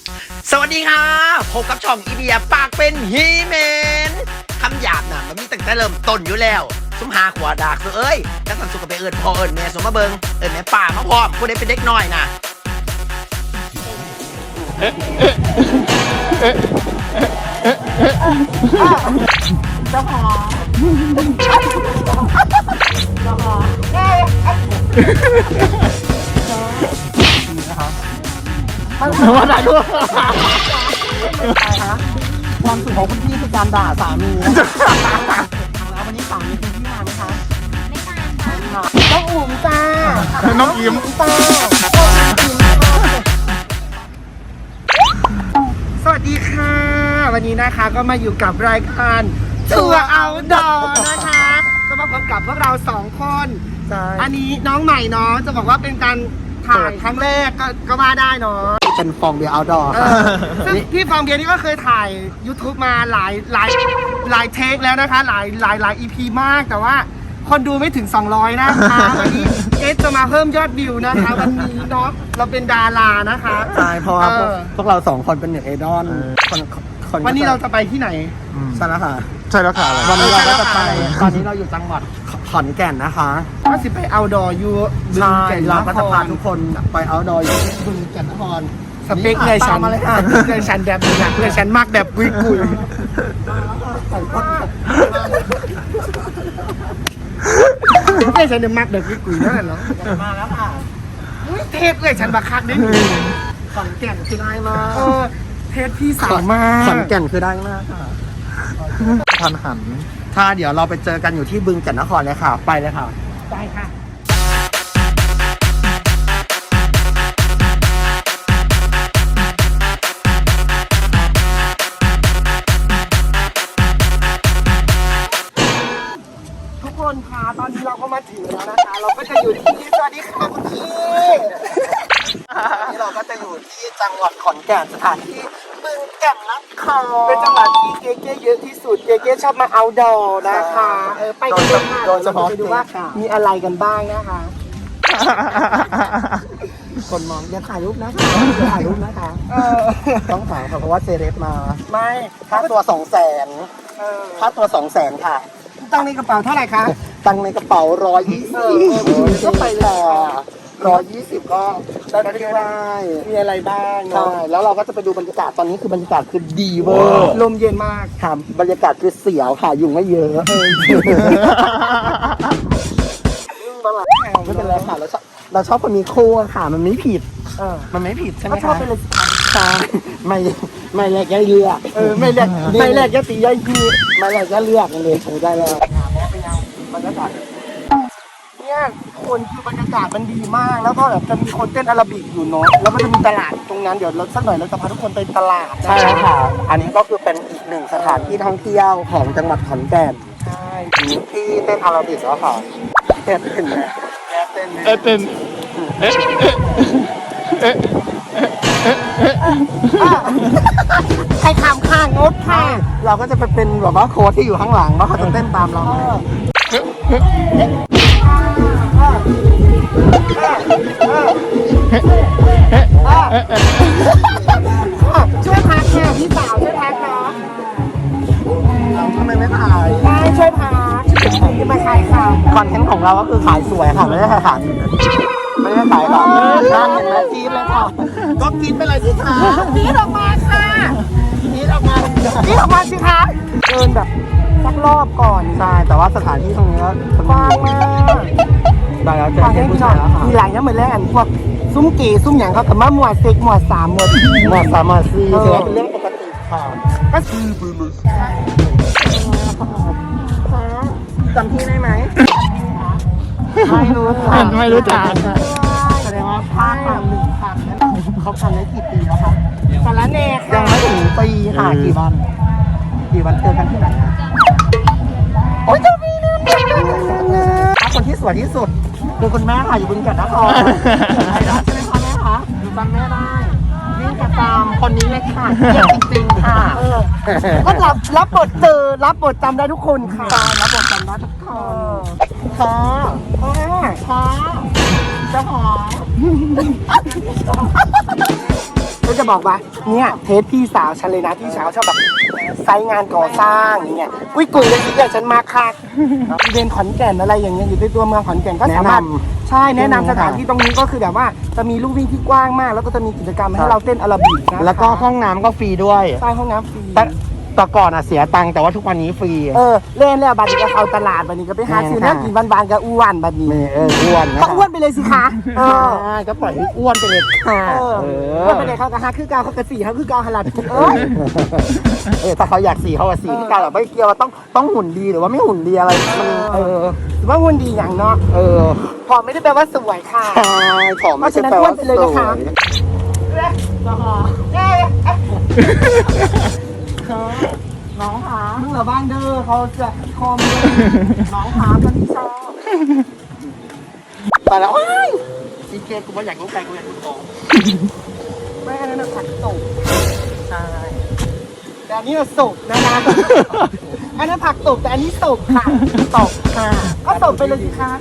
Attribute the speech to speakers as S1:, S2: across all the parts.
S1: สวัสดีค่ะพบกับช่องอีเดียปากเป็นฮีแมนคำหยาบน่ะมันมีตั้งแต่เริ่มต้นอยู่แล้วสมหาขวาดากเอ้ยจังสันสุกไปเอิญพ่อเอิญแม่สมมาเบิงเอิญแม่ป่ามาพร้อมผู้ใดเป็นเด็กน้อยน่ะ
S2: เจ้าของ
S3: มาถ่ายรูป
S2: ความสุขของคุณพี่คือการด่าสามีแล้ววันนี้สามีคุณพี่มาไหมคะไม่มาต้องอุ่มจ้า
S3: น้องอิม
S2: จ้าสวัสดีค่ะ วันนี้นะคะก็มาอยู่กับรายการทัวร์เอาดอนะคะ ก็มาพบกับพวกเรา2 คนอันนี้น้องใหม่เนาะจะบอกว่าเป็นการถ่ายครั้งแรกก็มาได้เนาะ
S3: เป็นฟองเบียร์เอาดอร์
S2: ซึ่งพี่ฟองเบียร์นี่ก็เคยถ่าย YouTube มาหลายเทคแล้วนะคะหลาย EP มากแต่ว่าคนดูไม่ถึง200นะคะวันนี้เอสจะมาเพิ่มยอดวิวนะคะวันนี้เนาะเราเป็นดารานะคะ
S3: ใช่เพราะว่าพวกเรา2 คนเป็นเน็ตไอดอลคน
S2: วันนี้เราจะไปที่ไหน
S3: ใช่แล้วค่ะ
S4: ใช่แล้วค่ะ
S3: วันนี้เราก็จะไป
S2: ตอนนี้เราอยู่จังหวัด
S3: ขอนแก่นนะคะ
S2: ก็สิไปเอาดออยู่บึง
S3: ใช่
S2: แก่น
S3: เราก็จะพา
S2: ทุ
S3: ทุ
S2: ก
S3: กคนไปเอาดอยที่บึงแก่นนคร
S2: สเปคเลยฉัน
S3: ตามมาเลยค่ะ
S2: สเปคเลยฉันแบบนี้นะเลยฉันมากแบบกุยเลยฉันเนี่ยมากแบบกุยนั่นแหละเนาะ
S3: มาแล้วค่ะ
S2: เทปเลยฉันบักคักได้หนึ่ง
S3: ขอนแก่นคือได้มาก
S2: เทปพี่สาวมาก
S3: ขอนแก่นคือได้มากค่ะ
S4: ทันหัน
S3: ถ้าเดี๋ยวเราไปเจอกันอยู่ที่บึงแก่นนครเลยค่ะ ไปเลยค่ะ
S2: ได้ค่ะทุกคนคะตอนนี้เราก็มาถึงแล้วนะคะ เราก็จะอยู่ที่สวัสดีค่ะคุณพี่
S3: นี่เราก็จะอยู่ที่จังหวัดขอนแก่นสถานที่บึงแก่นนคร
S2: เป็นจังหวัดที่เก๊ๆเยอะที่สุดเก๊ๆชอบมาเอาดอนะคะไปกันเลยค่ะ
S3: โดยเฉพาะ
S2: ไปดูว่ามีอะไรกันบ้างนะคะ
S3: คนมองอย่าถ่ายรูปนะคะอย่าถ่ายรูปนะคะ ต้องถ่ายค่ะเพราะว่าเซเลบมา
S2: ไม่
S3: ค่าตัว200,000ค่าตัว200,000ค่ะ
S2: ตั้งในกระเป๋าเท่าไหร่คะ
S3: ตังค์ในกระเป๋า120ก็ไปเลย120ก็ได้ไม่ได้
S2: มีอะไรบ้าง
S3: ใช่
S2: เนาะ
S3: แล้วเราก็จะไปดูบรรยากาศตอนนี้คือบรรยากาศคือดีเวอร์
S2: ลมเย็นมาก
S3: ค่ะบรรยากาศคือเสียวค่ะยุงไม่เยอะไม่เป็นไรค่ะเราชอบคนมีคู่ค่ะมันไม่ผิด มันไม่ผิดใช่ไหม
S2: ก็ชอบ
S3: คะ
S2: ไปเลย
S3: ใช่ไม่แลกย่าเลือก
S2: ไม่แรกยะตียะยี
S3: ไม่แลกย่าเลือกกันเลยถูกได้แล้วบรรยากาศ
S2: เนี่ยคนคือบรรยากาศมันดีมาก แล้วก็แบบจะมีคนเต้นอาราบิกอยู่เนาะแล้วก็จะมีตลาดตรงนั้นเดี๋ยวเราสักหน่อยเราจะพาทุกคนไปตลาด
S3: ใช่แล้วค่ะ อันนี้ก็คือเป็นอีกหนึ่งสถานที่ท่องเที่ยวของจังหวัดขอนแก่น
S2: ใช่
S3: ที่เต้นอาราบิกแล้วค่ะเต้นเห็นไหมเต้น
S4: เต้น
S2: ใครขำข้างงดค่ะ
S3: เราก็จะไปเป็นแบบว่าโค้ชที่อยู่ข้างหลังแล้วเขาจะเต้นตามเรา
S2: ช่วยพักค่ะพี่สาวช่วยพักเนาะ
S3: ทำไมไม่ถ่าย
S2: ได้ช่วยพักที่มาขายค่ะ
S3: คอนเทนต์ของเราก็คือขายสวยค่ะไม่ได้ขายไม่ได้ขายค่ะน่าเห็นไหมจีนเลยค่ะก็กินไปเลยสิคะ
S2: พีดออกมาค่ะ
S3: กินออกมา
S2: พีดออกมาสิคะเดินแบบสักรอบก่อน
S3: ใช่แต่ว่าสถานที่ตรงนี้ก็
S2: กว้างมาก
S3: ได้แล้วเจอ
S2: ฟัง
S3: เพื่
S2: ให้
S3: อน
S2: พี่
S3: ผู้
S2: หน่
S3: ชา
S2: อย ย
S3: แล้วค่ะ
S2: มีหลายอย่างเหมือนแรกพวกซุ้มเก๋ซุ้มหยังเขากับมาหมวดเซ็กหมวด3หมวด
S3: หมดสามหมดสี่ถือว่าเป็นเรื่องปกติค่ะ
S2: ก็
S3: จำที่ได้ไหม
S2: ไม่รู้
S4: ไม่รู้จัก
S2: แสดงว่าภาคหนึ่งภาคเขาทำได้กี่ปีแล้วคะสารแน่
S3: ยั
S2: ค่ะ
S3: งไม่ถึงปีค่ะกี่วันเจอกันที่ไหนอะโอ๊ยจะมีเรื่องคนที่สวยที่สุดคือคุณแม่ค่ะอยู่บึงแก่นนครใช่ไหมคะแม่คะอยู่จำแม่ได้วิ่งกระตามคนนี้เลยค่ะเยี่ยมจริงๆค่ะ
S2: ก็รับบทจำได้ทุกคนค่ะรับบทจำได้ทุกคน
S3: ค่ะ
S2: ค่ะ
S3: เจ้าของ
S2: ก็จะบอกว่าเนี่ยเทสพี่สาวฉันเลยนะพี่สาวชอบแบบไซต์งานก่อสร้างอย่างเงี้ยอุ้ยกุยเลยที่ฉันมาค่ะเรียนขอนแก่นอะไรอย่างเงี้ยอยู่ในตัวเมืองขอนแก่นก็สามารถใช่แนะนำสถานที่ตรงนี้ก็คือแบบว่าจะมีลู่วิ่งที่กว้างมาก แล้วก็จะมีกิจกรรมให้เราเต้นอาราบิกนะ
S3: แล้วก็ห้องน้ำก็ฟรีด้วย
S2: ใต้ห้องน้ำฟรี
S3: แต่ก่อนอ่ะเสียตังค์แต่ว่าทุกวันนี้ฟรี
S2: เล่นแล้วบัดนี้ก็เข้าตลาดบัดนี้ก็ไปหาซื้อน้ำกินบานๆกับอ้วนบัดนี้
S3: อ้วนนะ
S2: ก็อ้วนไปเลยสิคะ
S3: ใช่ก็ปล่อยให้อ้วนไปเลยค่ะ
S2: อ้วนไปเลยเขาก็หาคือเกาเขาก็สี่เขาคือเกาหลัด
S3: ถ้าเขาอยากสีเขาก็สีที่การแบบไม่เกี่ยวว่าต้องหุ่นดีหรือว่าไม่หุ่นดีอะไรมัน
S2: หรือว่าหุ่นดีอย่างเนาะผอมไม่ได้แปลว่าสวยค่ะ
S3: ใช่ผอมไม่ใช่แปลว่าสวยน้องคะ
S2: มึงเหรอบ้านเด้อเขาจะคอม
S3: น้องคะตอนที่ชอบแต่แล้วอีเคกูว่าอยากรู้ใจกูอยากรู้โต
S2: ไม่อันนั้นผักตบ
S3: ใช่
S2: แต่อันนี้เราสุกนะอันนั้นผักตบแต่อันนี้สุกค่ะตบค่ะก็ตบไปเลยสิคะ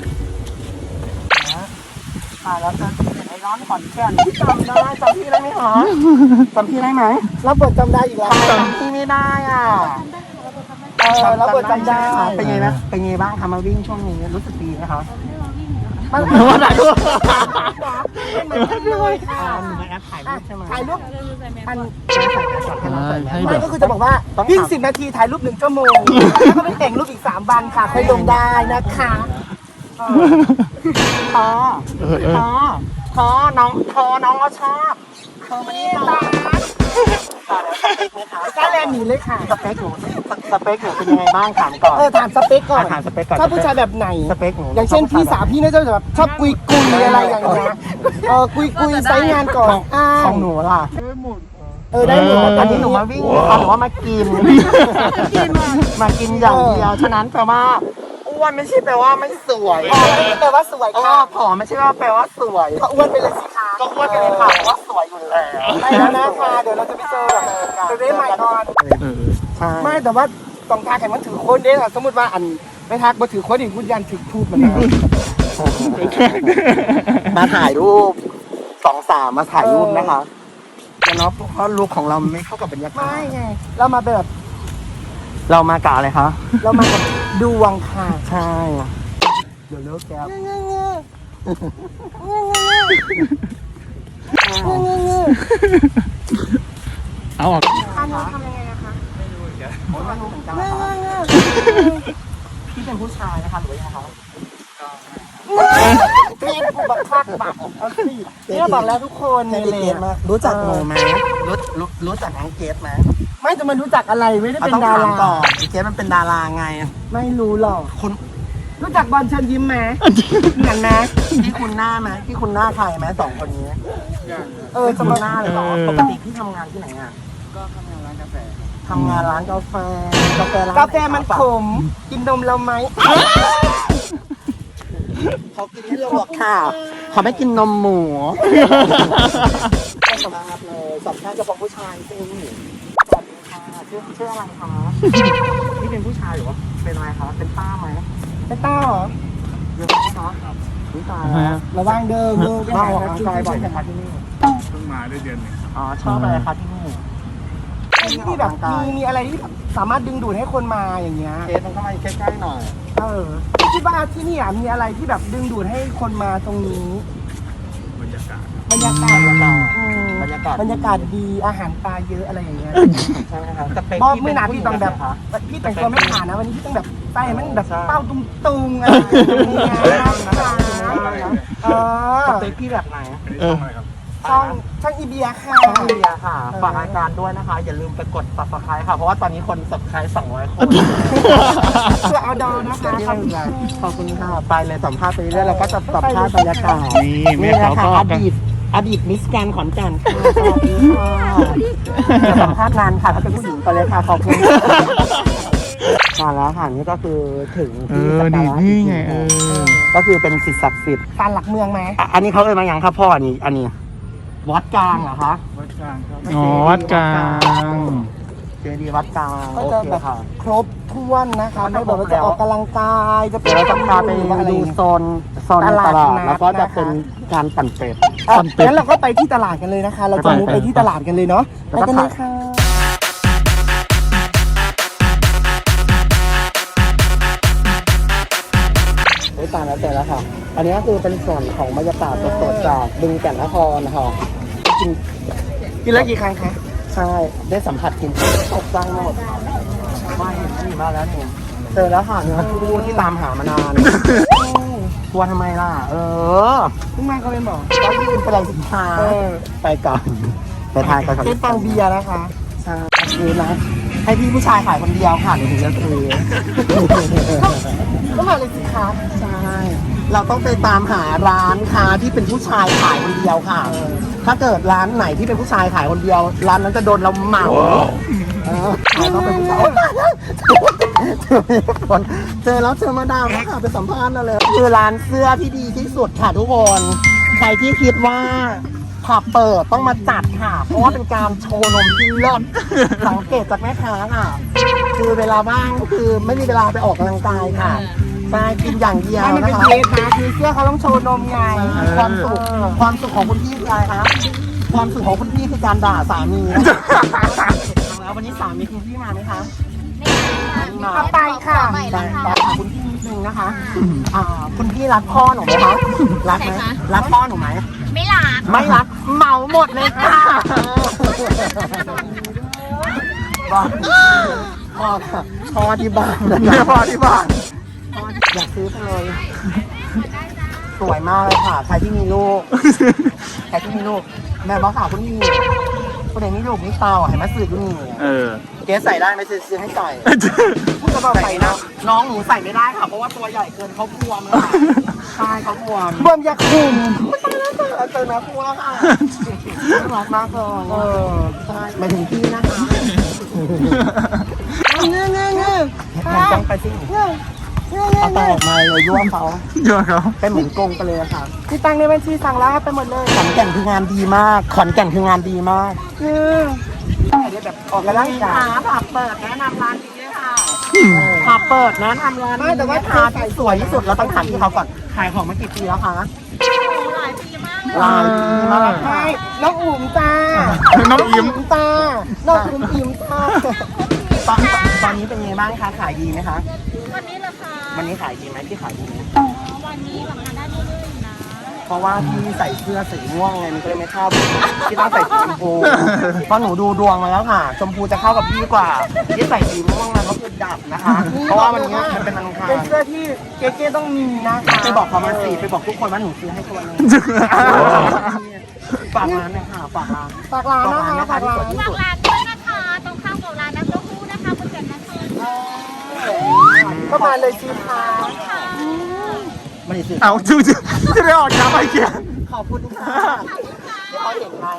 S3: แล้วจะไอ้ร้อนขอนแก่นจำได้จำพี่ได้ไหมคะจำพี่ได้ไหม
S2: รับบทจำได้อีกแล้ว
S3: จำพี่ไม่ได้อ่ะ
S2: รับบทจำได้
S3: เป็นไงนะเป็นไงบ้างทำมาวิ่งช่วงนี้รู้สึกดีไหมคะ
S2: มัน
S3: ว่าไหนดู
S2: เหมือนกันเลยค่ะ
S3: มีแอปถ่ายรูปใช่ไหม
S2: ถ่ายรูปอัน
S4: ให้
S2: ไม่
S4: แบบ
S2: ก็คือจะบอกว่าวิ่ง10 นาทีถ่ายรูป1 ชั่วโมงแล้วก็ไปแต่งรูปอีก3 วันค่ะค่อยลงได้นะคะ
S3: พอน้องก็ชอบ
S2: มานี่ตาก้าแลนหนีเลยค่ะ
S3: สเปคหนูเป็นยังไงบ้างถามก่อน
S2: ถามสเปคก่อน
S3: ถามสเปคก่อน
S2: ชอบผู้ชายแบบไหน
S3: สเปคหนู
S2: อย่างเช่นพี่สาวพี่น่าจะแบบชอบกุยอะไรอย่างเงี้ยกุยไซต์งานก่อน
S3: ของหนูล่ะ
S2: ได้หมด
S3: อันนี้หนูมาวิ่งหรือว่ามากินมากินอย่างเดียวฉะนั้นแปลว่าอ้วนไม่ใช่แปลว่าไม่สวย
S2: แปลว่าสวยค่ะ
S3: ผอมไม่ใช่ว่าแปลว่าสวย
S2: ก็อ้วนไปเลยสิคะ
S3: ก็อ้วนไปเลยค่ะเพราะว่าสวยอยู่แล้ว
S2: ไปแล้วนะคะเดี๋ยวเราจะไปเจอจะได้ใหม่ก่อน
S3: ใช่
S2: ไม่แต่ว่าต้องทาแข่งมันถือโค้ดเด้สมมติว่าอันไม่ทักมาถือโค้ดอีกคุณยันถือทูบมัน
S3: มาถ่ายรูป2-3มาถ่ายรูปนะคะแต่เนาะเพราะลุคของเราไม่เข้ากับบรรยากาศ
S2: ไม่ไงเรามาแบบ
S3: เรามากะอะไรคะ
S2: เรามากับดวงค่ะ
S3: ใช่เดี๋ยวเลิกแก๊ป
S4: เอาออก
S2: อันนี้ทำยังไงนะคะไม่รู้เหมือนกัน
S3: พี่เป็นผู้ชายนะคะหรือว่ายังไงคะ
S2: เรียนกูบักคักบักเอาสิเนี่ยบอกแล้วทุกคนในเลน
S3: รู้จักหนูไหมรู้จักน้องเกดไหม
S2: ไม่จะมารู้จักอะไรไม่ได้เป็น
S3: ต้อง
S2: ดา
S3: ถาม
S2: รา
S3: ก่อนเกดมันเป็นดาราไง
S2: ไม่รู้หรอก
S3: คุณ
S2: รู้จักบอลเชิญยิ้มไหมเหมือนไหม
S3: พี่คุณหน้าไหมพี่คุณหน้าใครไหม2 คนนี้
S2: จะมา
S3: หน้าเลยเหรอปกติพี่ทำงานที่ไหนอ่ะก็ทำงานร้านกาแฟทำงานร้านกาแฟร้าน
S2: กาแฟมันขมกินนมเราไหม
S3: เขากินไม่ลงหรอกค่ะเขาไม่กินนมหมูสัมภาษณ์เลยสัมภาษณ์เฉพาะผู้ชายจริงสวัสดีค่ะชื่ออะไรคะนี่เป็นผู้ชายหรือว่าเป็นอะไรคะเป็นป้าไหม
S2: ไปต้าเหรอ
S3: เยอะไหมคะผู้ชายแล้ว
S2: ระวังเดิมไป
S3: มา
S2: หา
S3: ออกกำลังกายบ่อยไหมคะที่นี่
S4: เพิ่งมาได้เดือนหนึง
S3: อ๋อชอบอะไรคะที่นี่
S2: ที่แบบมีอะไรที่สามารถดึงดูดให้คนมาอย่างเงี้ย
S3: เคสมันเข้ามาใกล้ๆหน่อย
S2: คิดว่าที่นี่มีอะไรที่แบบดึงดูดให้คนมาตรงนี้
S4: บรรยากาศ
S2: บรรยากาศ
S3: บรรยากาศ
S2: ดีอาหารปลาเยอะอะไรอย่างเงี้ย
S3: ใช่ไหมคะสเปค
S2: บอก
S3: พี่
S2: ไม่
S3: เป็น
S2: นา
S3: ผู้ห
S2: พี่
S3: ญิง
S2: ต้องแบบ
S3: ไหนคะ
S2: พี่แต่งตัวไม่ผ่านนะวันนี้พี่ต้องแบบใส่มันแบบเป้าตุงอะไรอย่างเงี้ย
S3: สเปคพี่แบบไหน
S4: อันนี้ช่องอะไรครับ
S2: ช่องอีเบียค่ะ
S3: ช่องเบียร์ค่ะฝากรายการด้วยนะคะ อย่าลืมไปกด subscribe ค่ะ เพราะว่าตอนนี้คน subscribe 200 คน
S2: เพื่อเอาดอนะคะขอบคุณ
S3: ขอบคุณค่ะ ไปเลยสัมภาษณ์ไปเรื่อยๆเราก็จะสัมภาษณ์บรรยากาศ
S4: นี่แม่
S3: นี่
S4: เขา
S3: นะคะ
S4: ก็
S3: อดีตมิสแกรนด์ขอนแก่นค่ะสวัสดีค่ะจะสัมภาษณ์นานค่ะถ้าเป็นผู้หญิงไปเลยค่ะขอบคุณมาแล้วค่ะนี่ก็คือถึงที่สักการะ
S4: นี่ไง
S3: ก็คือเป็นสิ่งศักดิ์สิทธิ์
S2: ศาลหลักเมืองไหม
S3: อันนี้เขาเอ่ยมาอย่างครับพ่ออันนี้วัดกลางเหรอคะ
S4: วัดกลางครับอ๋อวัดกลาง
S3: เจดีย์วัดกลาง
S2: ก็
S3: โอ
S2: จะ
S3: เค
S2: แบบ
S3: ค่ะ
S2: ครบถ้วนนะคะไม่บอกว่าจะออกกำลังกายจะ
S3: เดี๋ยวเราจะพาไปดูโซนตลาดแล้วก็จะเป็นการปั่นเป็ด
S4: ปั่นเป็ด
S2: งั้นเราก็ไปที่ตลาดกันเลยนะคะ เราจะมุ่งไปที่ตลาดกันเลยเนาะไปกันเลยค่ะโอ้ยตายแล้วเสร็จแล้วค่ะ อันนี้ก็คือเป็นส่วนของบรรยากาศสดๆจากบึงแก่นนครนะคะกินแล้วกี่ครั้งคะ
S3: ใช่ได้สัมผัสกินตกใจหมดว่าเห็นมีมาแล้วนี่เจอแล้วค่ะเนื้อคู่ที่ตามหามานานกลัวทำไมล่ะ
S2: เพิ่งมาเขาเป็นบอก
S3: ก็ยืนไปเลยสินค้าไปก่อนไปทานกันก่อน
S2: เป็นปังเบียร์นะคะ
S3: ใช่คือนะให้พี่ผู้ชายขายคนเดียวค่ะหนูถึงจะซื้อ
S2: ก็มาเลยสิคะ
S3: ใช่ เราต้องไปตามหาร้านค้าที่เป็นผู้ชายขายคนเดียวค่ะ ถ้าเกิดร้านไหนที่เป็นผู้ชายขายคนเดียว ร้านนั้นจะโดนเราเหมาเราต้องเป็นผู้ชายเจอแล้วเจอมาดามแล้วค่ะไปสัมภาษณ์เลยคือร้านเสื้อที่ดีที่สุดค่ะทุกคน ใครที่คิดว่าผับเปิดต้องมาจัดค่ะ เพราะว่าเป็นการโชว์นมที่เลิศสังเกตจากแม่ค้าค่ะ คือเวลาว่างก็คือไม่มีเวลาไปออกกำลังกายค่ะใช่กินอย่างเดียว
S2: มัน
S3: นะ
S2: เป็น
S3: คะ
S2: เคสนะคือเสื้อเขาต้องโชว์นมไง
S3: ความสุขของคุณพี่คืออะไรคะความสุขของคุณพี่คือการด่าสามีแล้ววันนี้สามีคุณพี่มาไหมคะไม่มา
S2: เอาไปค่ะ
S3: แต่ถามคุณพี่นิดนึงนะคะคุณพี่รักพ่อหนูไหมคะรักไหมรักพ่อหนูไหม
S5: ไม่รัก
S3: ไม่รักเหมาหมดเลยค่ะพ่อที่บ้านนะพ่อที่บ้านอยากซื้อไปเลยสวยมากเลยค่ะใครที่มีลูกใครที่มีลูกแม่บอกข่าวคุณมีคนไหนมีลูกมีเตาเห็นไหมสื่อคุณมี เกสใส่ได้ไหมซื้อให้ใส่พูดจะบอกใส่นะน้องหนูใส่ไม่ได้ค่ะเพราะว่าตัวใหญ่เกินเขาบวมค่ะใช่เขาบวม
S2: บวมอยากคุม
S3: เจอแม่ครัวค่ะรักมากเลยใช่หมายถึงพี่นะคะ
S2: เงื้อเงื้อเงื้อ
S3: มันต้องไปสิเอาตังออกมาเลยยั่วเขา
S4: เยอะครับ
S3: เป็นเหมือนกงไปเลยค่ะ
S2: ที่ตังในบัญชีสั่งแล้วไปหมดเลย
S3: ขอนแก่นคืองานดีมากขอนแก่นคืองานดีมาก
S2: คือแบบออกกำลังกาย
S3: ผับเปิดแนะนำร้านนี้ด้วยค่ะผับเปิดแนะนำร้านนี้แต่ว่าทานสวยที่สุดเราต้องถามที่เขาก่อนขายของมากี่ปีแล้วคะ
S5: หลายปีมากเลย
S3: หลายปีมาก
S2: ใช่น้องอุ๋มจ้า
S4: น้องอิ่ม
S2: ตาน้องอุ๋มอิ่มจ้า
S3: ตอนนี้เป็นไงบ้างคะขายดีไหมคะ
S5: วันนี้เหรอคะ
S3: วันนี้ขายดีไหมพี่ขายดีไหม
S5: วันนี้แบบทานได้เรื่อยๆอยู่นะ
S3: เพราะว่าพี่ใส่เสื้อสีม่วงไงมันก็เลยไม่เข้าพี่ต้องใส่สีชมพูเพราะหนูดูดวงมาแล้วค่ะชมพูจะเข้ากับพี่กว่าพี่ใส่สีม่วงมันก็คือดับนะคะ เพราะว่าวันนี้มันเป็นวันอังคาร
S2: เป็นเสื้อที่เก๊ๆต้องมีนะคะ
S3: ไปบอกเขามาสิไปบอกทุกคนว่าหนูซื้อให้ตัวนึงฝากร้านหน่อยค่ะฝากร้าน
S2: ฝากร้านนะคะฝากร้าน
S3: ที่
S5: ฝา
S3: สุ
S5: ก
S3: ด
S5: ร้านด้วยนะคะ ตรงข้ามกับร้านน้ำเต้าหู้นะคะคุณเกิดนะคะ
S2: ก็มาเลยสิคะ
S3: ไม่ได้ซื้อ
S4: เอาจะได้ออกย้ำไปเกียร์
S3: ขอบคุณค่ะที่เขาเห็นไหม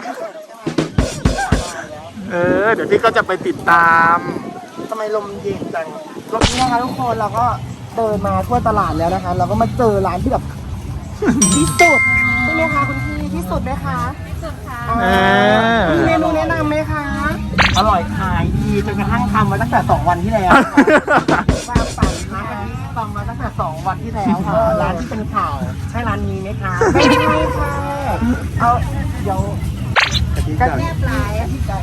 S4: เดี๋ยวพี่ก็จะไปติดตาม
S3: ทำไมลมเย็นจัง
S2: รอบนี้นะคะทุกคนเราก็เดินมาทั่วตลาดแล้วนะคะ เราก็มาเจอร้านที่แบบที่สุดใช่ไหมคะคุณพี่ที่สุดไหมคะ
S5: สุดค่ะ
S2: มีเมนูแนะนำไหมคะ
S3: อร่อยขายดีจนกระทั่งทำมาตั้งแต่2 วันที่แล้วสร้างสรรค์นะอันนี้ทำมาตั้งแต่2 วันที่แล้วค่ะร้านที่เป็นข่าวใช่ร้านนี้ไหมคะ
S2: ไม่ใช่ค่ะ
S3: เอาเดี๋ยว
S2: กระเทียมปลายอะไก่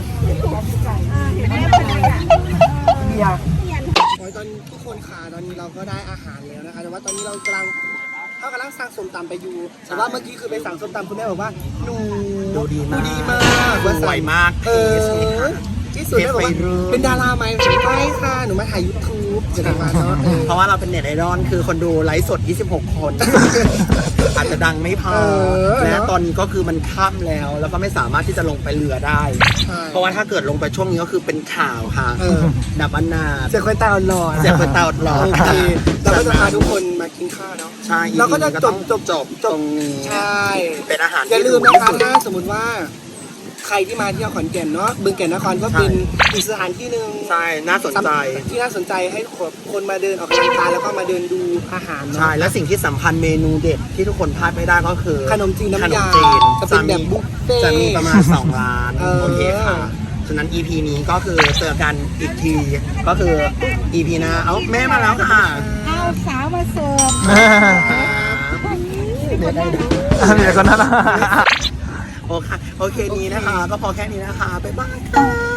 S2: เบียร์ตอนทุกคนค่ะตอนนี้เราก็ได้อาหารแล้วนะคะแต่ว่าตอนนี้เรากำลังสั่งส้มตำไปอยู่แต่ว่าเมื่อกี้คือไปสั่งส้มตำคุณแม่บอกว่าหนู
S3: ดูดีมาก
S2: สวยมากที่สุดแม่บอกว่าเป็นดาราไหมไม่ค่ะหนูมาถ่าย YouTube จะได้มาเนาะ
S3: เพราะว่าเราเป็นเน็ตไอดอลคือคนดูไลฟ์สด26 คน อาจจะดังไม่พอและตอนนี้ก็คือมันค่ำแล้วแล้วก็ไม่สามารถที่จะลงไปเรือได้ เพราะว่าถ้าเกิดลงไปช่วงนี้ก็คือเป็นข่าวค่ะดับอนาถ
S2: เสียคนตาหล่อ
S3: เสียคนตาหลอด
S2: โอเคเราก็จะพาทุกคนมากินข้าวเนาะ
S3: ใช่
S2: เราก็จะจบ
S3: ตรงนี้
S2: ใช่
S3: เป็นอาหาร
S2: อย่าลืม
S3: ที่
S2: นะคะ
S3: ถูกที่สุด
S2: ถ้าสมมติว่าใครที่มาเที่ยวขอนแก่นเนาะบึงแก่นนครก็เป็นอีกสถานที่หนึ่ง
S3: ใช่น่าสนใจ
S2: ที่น่าสนใจให้คนมาเดินออกกำลังกายแล้วก็มาเดินดูอาหารเนาะ
S3: ใช่และสิ่งที่สำคัญเมนูเด็ดที่ทุกคนพลาดไม่ได้ก็คือ
S2: ขนมจีนน้ำยา
S3: ขนมจีน
S2: จะเป็นแบบบุฟเฟ่ต์
S3: จะมีประมาณ2 ร้าน โอเคค่ะ ฉะนั้น EP นี้ก็คือเจอกันอีกที ก็คือ EP หน้าเอ้าแม่มาแล้วค่ะ
S2: เอาสาวมาเสิร์ฟมีคนนั่ง
S4: มีแต่คนนั้นนะ
S2: โอเคนี้นะคะ ก็พอแค่นี้นะคะบ๊ายบายค่ะ